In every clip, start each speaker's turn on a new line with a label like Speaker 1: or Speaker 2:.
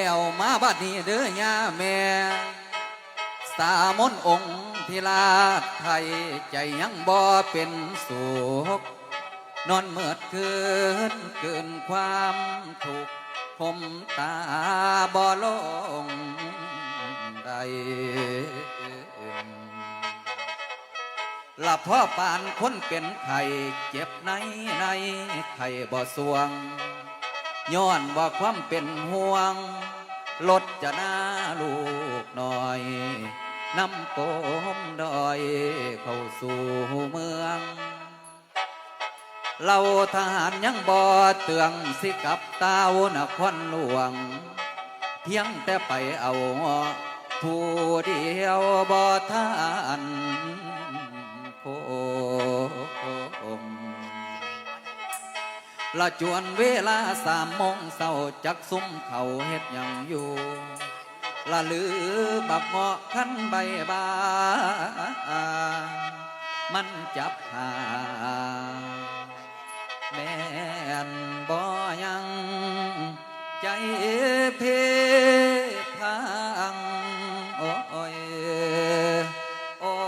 Speaker 1: แล้วมาบัดนี้เด้อย่าแม่สามนองค์ทิลาไทยใจยังบ่เป็นสุขนอนเมื่อคืนเกินความทุกข์ผมตาบ่ลงใดหลับพ่อปานคนเป็นไข่เจ็บในไข่บ่สวงย้อนว่าความเป็นห่วงลดจะหน้าลูกหน่อยนำโปมดอยเข้าสู่เมืองเราทหารยังบ่เตืองสิกับเต้านครหลวงเพียงแต่ไปเอาผู้เดียวบ่ทันโคมละจวนเวลา3 โมงเช้าจักซุ่มเขาเฮ็ดหยังอยู่ละลือบักเงาะขันใบบามันจับหาแม่นบ่ยังใจเพพังโอ้ยโอ้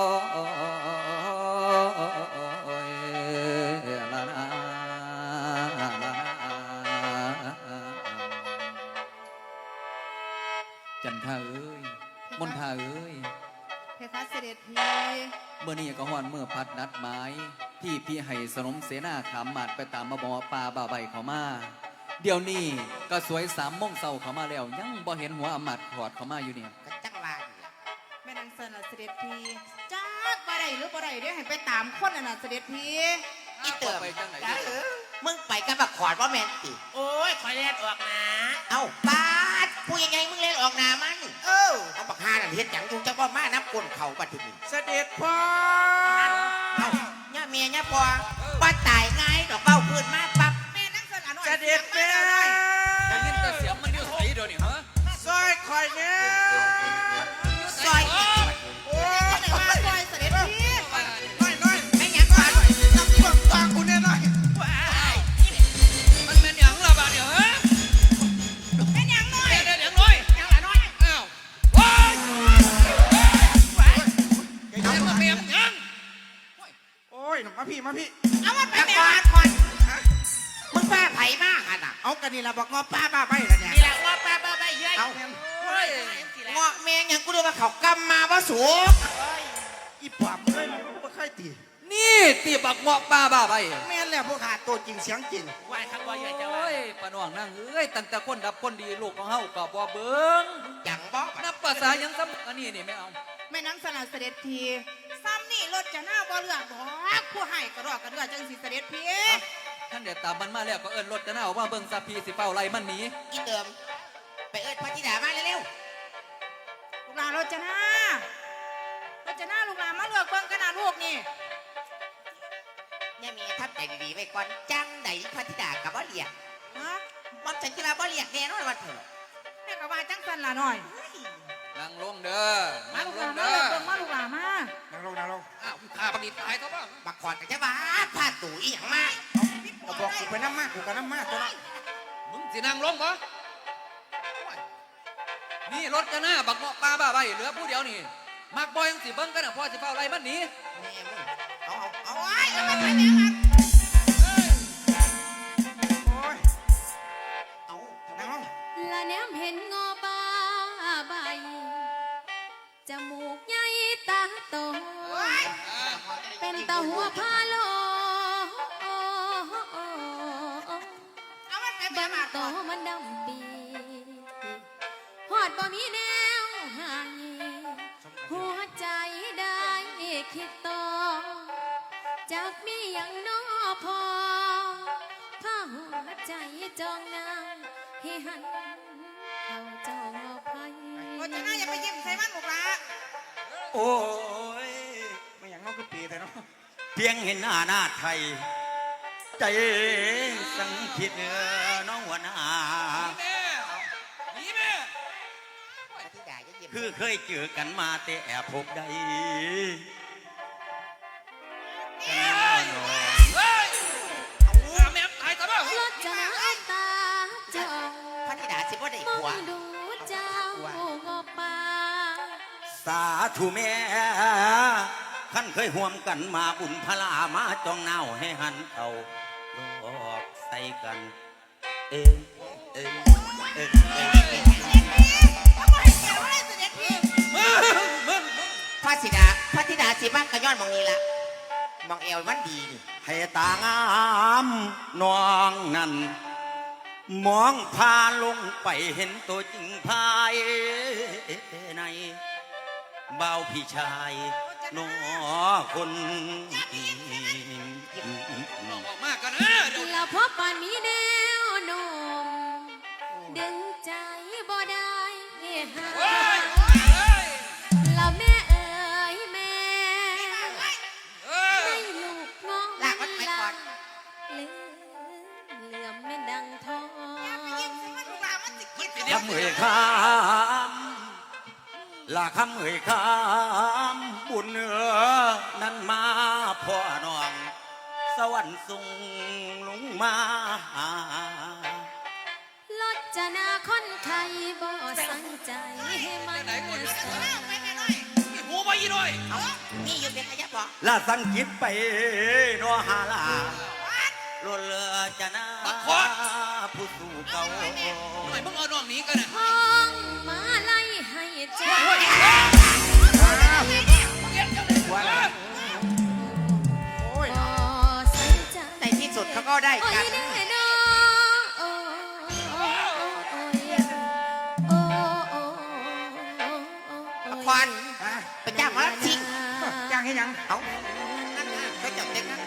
Speaker 1: ยละนาจันทาเอ้ยมนทาเอ้ย
Speaker 2: เพคะเสด็จพี่
Speaker 1: เมื่อนี้ก็ฮอนเมื่อพัดนัดหมายที่พี่ให้สนมเสนาขามมาดไปตามมาบอปลาบ่าใบเขามาเดี๋ยวนี้ก็สวย3 โมงเช้าเขามาแล้วยังบ่เห็นหัวอำมาตย์ถอดเขามาอยู่เนี่ย
Speaker 3: ก็จังว่าอยู่
Speaker 2: แม่นางเซินล่ะเสด็จพี่จักบ่ได้หรือบ่ได้เดี๋ยวให้ไปตามคนน่ะเสด็จพี่
Speaker 3: อีเติม
Speaker 1: ไปจังไหน
Speaker 3: มึงไปกับบักขอดว่าแมนติ
Speaker 4: โอ้ยคอยเล่นออกนะ
Speaker 3: เอ้าปาดพูดยังไงมึงเล่นออกหนามันเอาบักฮานั่นเฮ็ดหยังอยู่จังว่ามานับกลนเขาปัดทีนี้
Speaker 4: เสด็จพ่อ
Speaker 3: เอ้าย่าเมียย่าพ่อว่าตายง่ายดอกเบ้าพื้นมาปั๊บ
Speaker 2: แม่นางเซินอ่ะน้อย
Speaker 4: เสด็จแม่
Speaker 1: ได้ยินแต่เสียงมันอยู่ไสเดี๋ยวนี้ฮะ
Speaker 4: ซอยคอยเนี่ย
Speaker 3: ซอย
Speaker 2: โอ้ยคนไหนว่าซอยเสด็จพี่
Speaker 4: น้อย
Speaker 3: ไม่หยังก่อน
Speaker 4: ต้องเบิ่งตากูเนี่ยน้อย
Speaker 1: มันเป็นหยังล่ะบาดเดี๋ยวฮะ
Speaker 2: แม่นยังน้อย
Speaker 1: เดี๋ยวหยังน้อย
Speaker 2: ยังล่ะน้อย
Speaker 1: อ้าวโอ้ยเดี๋ยวมาเมียมยัง
Speaker 4: โอ้ยมาพี่
Speaker 2: เอามันไป
Speaker 3: บัก
Speaker 2: แม่
Speaker 3: ขอดก่อนมึงป้าไผ่มาหันอ่ะ
Speaker 4: เอากันนี่ละบอกงอป้าบ้าไปแล้วเนี่ย
Speaker 3: นี่แหละว่าป้าบ้าใบเย้ย
Speaker 4: เอา
Speaker 3: เฮ้ยเงาะแมงยังกูดูว่าเขากำมาว่าสูง
Speaker 4: อีปอบเลยไม่ค่อยตี
Speaker 1: นี่ตีบักเหมาะป้าบ้าไป
Speaker 4: แม่นแล้วพวกขาดตัวจริงเสียงจริง
Speaker 3: ไหวคำว่าใหญ่จะ
Speaker 1: โอ้
Speaker 3: ว่าย
Speaker 1: ปานว่างนั่งเอ้ยตั้งแต่คนดับคนดีลูกของเฮาก็บ่เบิ่ง
Speaker 3: อย่างบอก
Speaker 1: นับภาษายังซ้ำอันนี้นี่ไม่เอา
Speaker 2: แม่นางเซินล่ะเสด็จพี่ซ้ำนี่รถจะหน้าบ่เลือกบ่ผู้ให้ก็รอกกระเดือจังสิเสด็จพี่
Speaker 1: ท่านเดี๋ยวตามมันมาแล้วก็เอิ้นรถจะหน้าออกมาเบิ่งซาพีสิเฝ้าไล่มันหนี
Speaker 3: อีเติมไปเอิญพระธิดามาเร็ว
Speaker 2: ลูกหลานรถจะหน้ลูกหลานมาเลือกเบิ่งขนาดลูกนี่
Speaker 3: ๆเนี่ยมีทับใจดีๆไว้ก่อนจังไหนพระธิดากับบ่เรียก
Speaker 2: ฮะ
Speaker 3: มันฉันคิดว่าบ่เรียกแน่นอนว่าเถอะ
Speaker 2: แม่ก็ว่าจังซั่นล่ะน้อย
Speaker 1: นั่งลงเด้อ
Speaker 2: มา
Speaker 1: นั่ง
Speaker 2: ลูก
Speaker 1: ล
Speaker 2: หลาง นมา
Speaker 1: เด้อ
Speaker 2: เลือกเบิ่งมาลูกหลานมา
Speaker 4: นั่งลง
Speaker 1: อ้าวข้าประดิษฐ์ตายเท่าบ้าง
Speaker 3: บักขอดกับเจ้าบ้าพาตู่อีหยังมา
Speaker 4: เอาบอกกูไปน้ำมากกูกับน้ำมากตัวนั้น
Speaker 1: มึงสินั่งลงบ่นี่รถจะหน้าบักเหมาะป้าบ้าไปเหลือผู้เดียวนี่มักบ่ยังสิเบิ่งกันน่ะพ่อสิเฝ้าไล่มันหนี
Speaker 3: แม่มึงเอา
Speaker 2: โอ้ยเอามันไปแม่มัน
Speaker 4: โอ้ย
Speaker 3: เอา
Speaker 4: นั่งลง
Speaker 5: ละแนมเห็นงอบ้าใบจมูกใหญ่ตาโตเป็นตาหัวพาโล
Speaker 2: เอามันไปแม่
Speaker 5: บัง
Speaker 2: มัน
Speaker 5: โตมันดำปีหอดบ่มีแนวหายหัวใจได้คิดต่อจากมีอย่างน้อพอพาหัวใจจองนางให้หันเข้าจองเอาไพ
Speaker 2: รถจะหน้าอย่าไปยิ้มใส่มันลูกหลาน
Speaker 4: โอ้ยไม่อย่างน้องก็ปีแต่เนาะ
Speaker 6: เพียงเห็นหน้าไทย ใจสังคิดน้องหัวหน้า
Speaker 1: แม่หนีแม่
Speaker 3: พระธิดาจะเยี่ยม
Speaker 6: คือเคยเจอกันมาแต่แอบพบได้กันน้อย
Speaker 1: เฮ้ยเอาแม่ตายเท่าบ้าง
Speaker 5: รถจะตาจอง
Speaker 3: พระธิดาสิบ่ได้
Speaker 5: มอ
Speaker 3: ผัว
Speaker 5: งดู
Speaker 6: สาธุแม่ขันเคยห่วมกันมาบุญพลามาจองเน่าให้หันเอาลอกใส่กัน เอ้ยเอ้ยเอ้ยเอ้ย
Speaker 2: ทำไมแกว่าได้เสด็จพี่
Speaker 3: พระธิดาสิบ้างกระย้อนมองนี้ละมองเอวมันดีนี่
Speaker 6: ให้ตางามน้องนั่นมองพาลงไปเห็นตัวจริงภายในเบาพี่ชายน้อคน
Speaker 1: ออกมากกันนะเดี๋ยว
Speaker 5: แล้วพบปานมีแนวโน้มดึงใจบ่ได้หา
Speaker 1: เฮ้ยเฮ้ย
Speaker 5: แล้วแม่เอ๋ยแม่
Speaker 1: เออ
Speaker 5: ให้ลูกน้อง
Speaker 3: ลากมันไปก่อน
Speaker 5: เหลื่อมแม่ดังทอง
Speaker 2: ลูกหลานมันสิกิน
Speaker 6: คำเอ่ยคำละคำเอ่ยคำบุญเหนือนั้นมาพ่อน้องสวรรค์ส่งลงมาหา
Speaker 5: ลดจะนาคนไทยบ่สังใจให้มันสา
Speaker 1: มีหูมาอีด้วย
Speaker 3: เอานี่อยู่เป็นขยับบ่
Speaker 6: ละสังกิตไปนอหาลาลนเลือจะนาผู้สู่เก่า
Speaker 1: หน่อยมึงเอาน้องหนี้กันนะ
Speaker 5: ห้องมาไล่ให้เจ้า
Speaker 3: โอ้ย
Speaker 5: บ่สังใจ
Speaker 3: ในที่สุดเขาก็ได้
Speaker 5: โอ้
Speaker 3: กั
Speaker 5: ย
Speaker 3: น
Speaker 5: แน่นอนโอ้
Speaker 3: ควันไปจ้างมาสิ
Speaker 4: จ้างให้ยัง
Speaker 3: เอานั่นน่ะก็จับเด็กนะ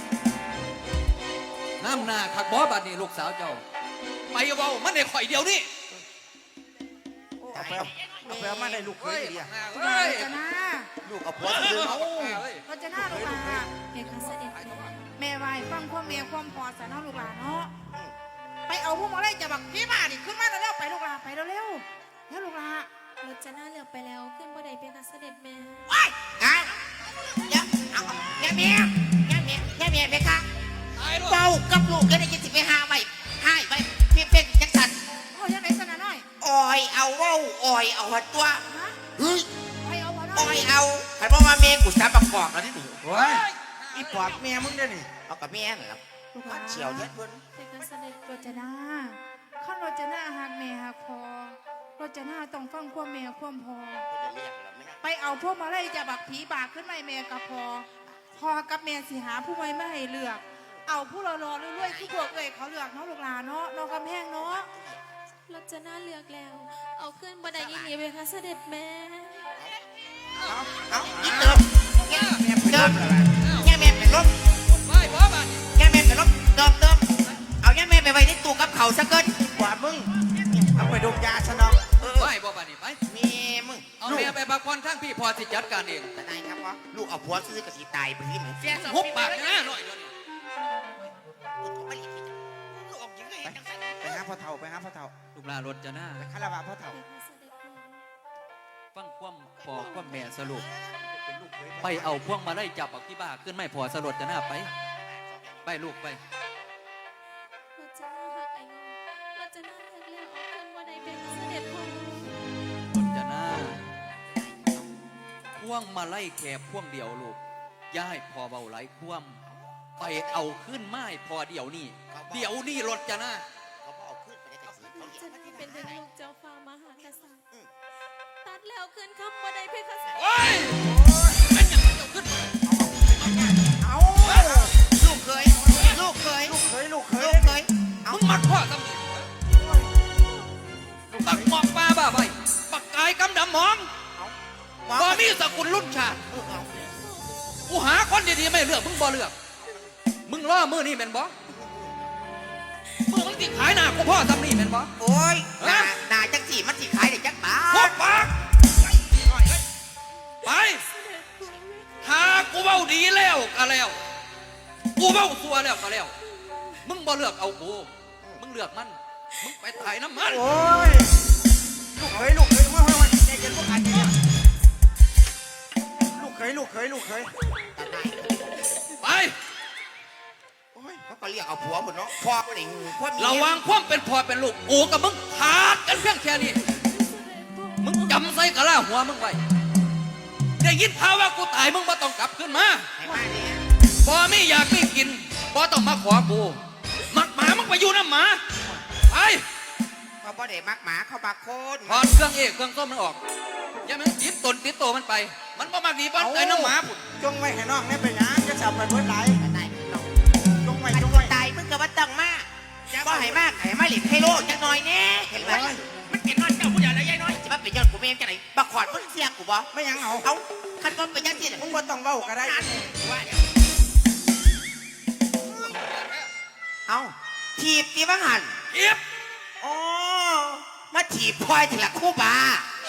Speaker 1: น้ำหน้าขักบอบัดนี่ลูกสาวเจ้าไปเบามันได้ข่อยเดียวนี่
Speaker 4: เอาไปเอามาได้ลูกเคยดีอ่ะ
Speaker 1: เฮ้ย
Speaker 2: จะน่า
Speaker 3: ลูกเอาผัวซื้อ
Speaker 1: เอา
Speaker 2: เราจะน่าลูกหลาน
Speaker 5: เพคะเสด็จ
Speaker 2: แม่ไหวฟังความแม่ความพอสนอลูกหลานเนาะไปเอาพวกมาเลยจะบักพี่มาดิขึ้นมาแล้วไปลูกหลานไปเร็วๆแล้วลูกหลาน
Speaker 5: รถจะน่าเหลือไปแล้วขึ้นบ่ได้เพคะเสด็จแม่
Speaker 3: ว้ายอ่ะเดี๋ยวเอาแม่ไปค่ะ
Speaker 1: ตายด้วย
Speaker 3: เฝ้ากับลูกก็ได้ยินสิไปหาไว้ให้ไว้เพียงเป็นจังสัน
Speaker 2: โอ้ยังไงสนะน้อย
Speaker 3: อ่อยเอาเว้าอ่อยเอาหัดตัว
Speaker 2: ฮะ
Speaker 3: เฮ้ย
Speaker 2: ไปเอาบ่
Speaker 3: อ่
Speaker 2: น้
Speaker 3: อ
Speaker 2: อย ย
Speaker 3: เอาใครบอกว่าเมย์กูสาประกอบแล้วนี่หนู
Speaker 4: โอ้ยอีปอบแม่มึงได้นี่
Speaker 3: เอากับแม่นั่นแหละ
Speaker 2: ลูกห
Speaker 3: พั
Speaker 2: ลาน
Speaker 3: ดเฉียวเท็ดเพิ่น
Speaker 5: เพคะเสด็จ
Speaker 2: รจนาขั้นรจนาหักแม่หักพอรจนาต้องฟังความแม่ความพอ
Speaker 3: จะเรียกเราไม่ได้
Speaker 2: ไปเอาพวกมาเลยจะบักผีบากขึ้นมาให้แม่กับพอพอกับแม่สิหาผู้ไม่ให้เลือก เอาผู้รอๆเรื่อยๆที่พวกเอ้ยเขาเลือกเนาะลูกหลานเนาะน้องกำแพงเนาะ
Speaker 5: รถจะน่าเลือกแล้ว เอาขึ้นบ่ได้ยี่เพคะเสด็จแม่
Speaker 3: เอาอีเติมแง่แม่เป็นลม
Speaker 1: ไปบอบัดนี่
Speaker 3: แง่แม่เป็นลมเติมเอาแง่แม่ไปไว้ในตู้กับเขาซะเกิน
Speaker 4: ปอบมึงเอาไปดมยาซะเนาะ
Speaker 1: ไปบอบัดนี่ไป
Speaker 3: แม่มึง
Speaker 1: เอาแม่ไปพักผ่อนทั้งพี่พอสิจัดการเอง
Speaker 3: แต่นายครับว่าลูกเอาผัวซื้อกับสีตายไปที่ไหน
Speaker 1: หุบปากนะหน่อยเดี๋ยวนี้
Speaker 3: ลูกออกยังไงจังสัน
Speaker 4: ไปหาพ่อเฒ่าไปหาพ่อเฒ่า
Speaker 1: ลูกหลานรถจะหน้า
Speaker 4: ไปคารวะพ่อเฒ่า
Speaker 5: เพคะเสด็จแม่
Speaker 1: ฟังความพอความแม่สรุป
Speaker 4: เป็นลูกเคย
Speaker 1: ไปเอาพวงมาไล่จับบักที่บ้าขึ้นไม่พอสลดจะหน้าไป ไปลูกไป
Speaker 5: รถจะน่าหักไอ้งอรถจะน่าเลือกแล้วเอาขึ้นบ่ได้เพคะเสด็จพ่อ
Speaker 1: รถจะหน้าพวงมาไล่แคบพวงเดียวลูกย่ายพอเบาไหลควมไปเอาขึ้นไม้พอเดี๋ยวนี้รถจะหน้า
Speaker 3: เขาเอาขึ้นไปได้แต่สีเขา
Speaker 5: จะเป็นถึงลูกเจ้าฟ้ามหากษัตริย์ตัดแล้วขึ้นคำบ่ได้เพคะเสด็จ
Speaker 1: โอ้ยเป็นอย่างไรเจ้าขึ้น
Speaker 4: เอา
Speaker 3: ลูกเคย
Speaker 4: ลูกเคย
Speaker 3: เอา
Speaker 1: มึงมัดพ่อตำหนิบักหมอกปลาบ้าใบบักกายกำดำหมองบ่มีสกุลรุ่นชาติกูหาคนดีๆไม่เลือกมึงบ่เลือก มึงล่อมือนี่เป็นบ่มือมึงติขายหน้ากูพ่อตำหนิเป็นบ่
Speaker 3: โอ้ยนาจังสีมันสีขายได้จักบา
Speaker 1: พบ
Speaker 3: ท
Speaker 1: ปากไปหากูเบ้าดีแล้วก็แล้ว กูเบ้าซัวแล้วก็แล้ว มึงบ่เลือกเอากู มึงเลือกมัน มึงไปถ่ายน้ำมัน
Speaker 4: โอ้ยลูกเคยมาใจเย็นพวกอันนี้ลูกเคย
Speaker 3: แต่นาย
Speaker 1: ไป
Speaker 3: โอ้ยเขาก็เรียกเอาผัวหมดเนาะพ่อก็ได้งูพ่อมี
Speaker 1: ระวังความเป็นพ่อเป็นลูกกูกับมึงขาดกันเพียงแค่นี้ มึงจำใส่กะลาหัวมึงไว้ได้ยินข่าวว่ากูตายมึงบ่ต้องกลับขึ้นมา
Speaker 3: ให้มาเนี่ย
Speaker 1: บ่มีอยากมีกินบ่ต้องมาขอกูมักหมามึงไปอยู่น้ำหมาไป
Speaker 3: เขาบ่ได้มักหมาเขาบักคน
Speaker 1: ถอดเครื่องเอกเครื่องส้มมันออกอย่ามันติดตนติดโตมันไป มันบ่มักหนีบ้านไอ้น้ำหมาพุ่น
Speaker 4: จงไว้ให้น้องนี่เป็นหยังจะจับไปเพิ่นไหล
Speaker 3: ตายน้อง
Speaker 4: จงไว้
Speaker 3: มัน
Speaker 4: จงไว้
Speaker 3: ตายมึงก็บ่ต้องมาบ่ให้มากให้มาหลินให้โลกจังหน่อยแน่เห็นไหมมันเป็นน้อยเจ้าผู้ใหญ่แล้วยายน้อยจะมาเป็นยอดกูเมมจังไหนบักขอดมึงเสียกูบ่
Speaker 4: ไม่หยังเอา
Speaker 3: เอาคันบ่เป็นยังสิ
Speaker 4: มึงบ่ต้องเว้าก็ได้
Speaker 3: ว่าเดี๋ยวเอาถีบตีบังหัน
Speaker 1: เอียบ
Speaker 3: อ๋อมาถีบพลอยถึงละคู่บา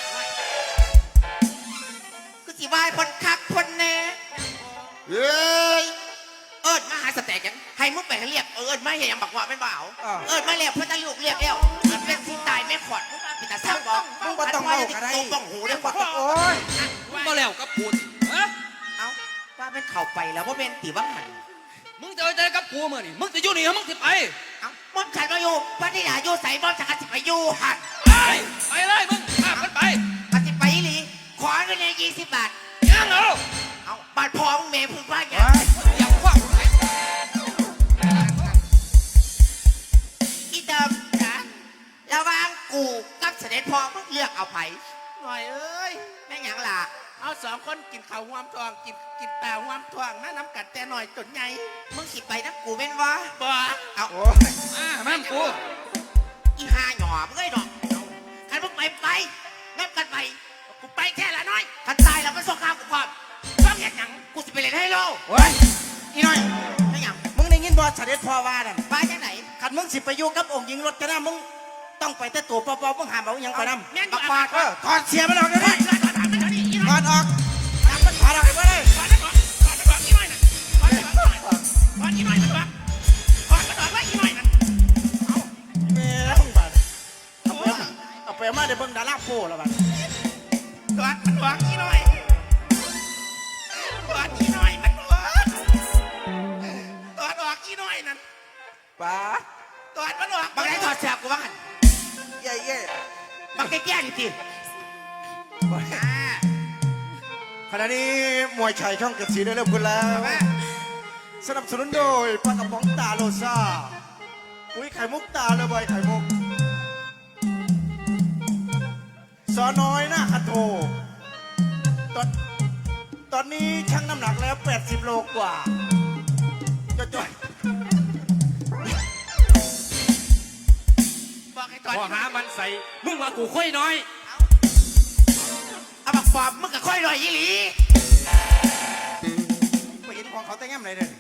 Speaker 3: กูสิวายพนคักพนแน่เอ้ยเอิดมาหาสแต็กยังให้มึงไปให้เรียกเอิดมาอย่างบักว่าไม่บ่าวเอิดมาเรียกเพื่อนตะลูกเรียกแล้วมันเป็นที่ตายไม่ขอดมึงมาปิดตาซ้ำบอก
Speaker 4: มึงบ่ต้องเว้าก็ได้
Speaker 3: ต้องบ้องหูได้กว่า
Speaker 4: โอ้ย
Speaker 1: มึงบ่แล้วกับกูสิฮะ
Speaker 3: เอ้าว่าเป็นเข่าไปแล้วว่าเป็นตีบังหัน
Speaker 1: มึงจะเอาใจกับกูมื้อนี่มึงสิอยู่นี่หรือมึงสิไป
Speaker 3: เอ้าม่อมฉันมาอยู่พระธิดาอยู่ใส่ม่อมฉันก็สิไปอยู่หัน
Speaker 1: ไปเลยมึงข้ามกันไป
Speaker 3: มันสิไปอีหลีขอเงินเนี่ย20 บาท
Speaker 1: ยังเอา
Speaker 3: เอาบาทพอมึงเมย์พึ่งพลาดไง
Speaker 1: อย่าควัก
Speaker 3: อีเดิมนะระหว่างกูกับเสด็จพ่อมึงเลือกเอาไผ
Speaker 7: หน่อยเอ้ย
Speaker 3: แม่งหยังล่ะ
Speaker 7: เอาสองคนกินข้าวหวามทองกินปลาหวามทองมาน้ำกัดแต่หน่อยจนไง
Speaker 3: มึงสิไปนะกูเป็นวะ
Speaker 7: บ่
Speaker 3: เอา
Speaker 4: โอ้ย
Speaker 1: แม่งกู
Speaker 3: อีห่าหน่อมึงเอ้ยดอกคันมึงไปนับกันไป
Speaker 7: กูไปแค่ละน้อย
Speaker 3: คันตายแล้วมันส่งข้าวกูพร้อม
Speaker 7: ต้องเห็นหยัง
Speaker 3: กูสิไปเล่นให้โล
Speaker 4: โอ้ยอีน้อย
Speaker 3: แม่งหยัง
Speaker 4: มึงได้ยินบ่เสด็จพ่อว่านั่น
Speaker 3: ไปจังไหน
Speaker 4: คันมึงสิไปอยู่กับองค์หญิงรจนามึงต้องไปแต่ตัวเปล่าๆมึงห้ามเอาหยังไปนำ
Speaker 7: แม่นอ
Speaker 3: บั
Speaker 7: ยู่
Speaker 3: ก
Speaker 7: อา
Speaker 3: บา
Speaker 7: บา
Speaker 3: ด
Speaker 7: ด
Speaker 3: เออ
Speaker 4: ถอดเสียมันออกเดี๋ยวนี้
Speaker 7: ถอดถามมันเดี๋ยวนี้อี
Speaker 4: ถ
Speaker 7: น้
Speaker 4: อ
Speaker 7: อย
Speaker 4: ดออกถามมันถอดออกไปเลย
Speaker 7: ถอดนั่นออกถอดนั่นออกอีน้อยน่ะถอดนั่นออกถอดอีน้อยนั่นออกถอดนั่นออกไว้อีน้อยนั่น
Speaker 4: แม่มึงบาดเอาไปมาได้เบิ่งดาราโป้แล้วบาด
Speaker 7: ถอดมันออกอีน้อยถอดอีน้อยมันออกถอดออกอีน้อยนั่น
Speaker 4: บาด
Speaker 7: ถอดมันออก
Speaker 3: บักไหนถอดเสื้อกูบ้างหัน
Speaker 4: เย่
Speaker 3: บักแก่ๆนี่สิ
Speaker 4: ขณะนี้มวยชัยช่องเจ็ดสีได้เริ่มขึ้นแล้ว สนับสนุนโดยปลากระป๋องตาโลซ่าปุ๋ยไข่มุกตาเลยใบไข่มุกสอน้อยหน้าคันโทตอนนี้ชั่งน้ำหนักแล้ว 80 โลกว่าจ่อย
Speaker 3: บอกให้ถอด
Speaker 6: พอหามันใส่ มึงว่ากูค่อยน้อย
Speaker 3: เอาบักปอบมึงก็ค่อยลอยอีหลี
Speaker 4: ไปเห็นของเขาแต่งแง่มไหนเลย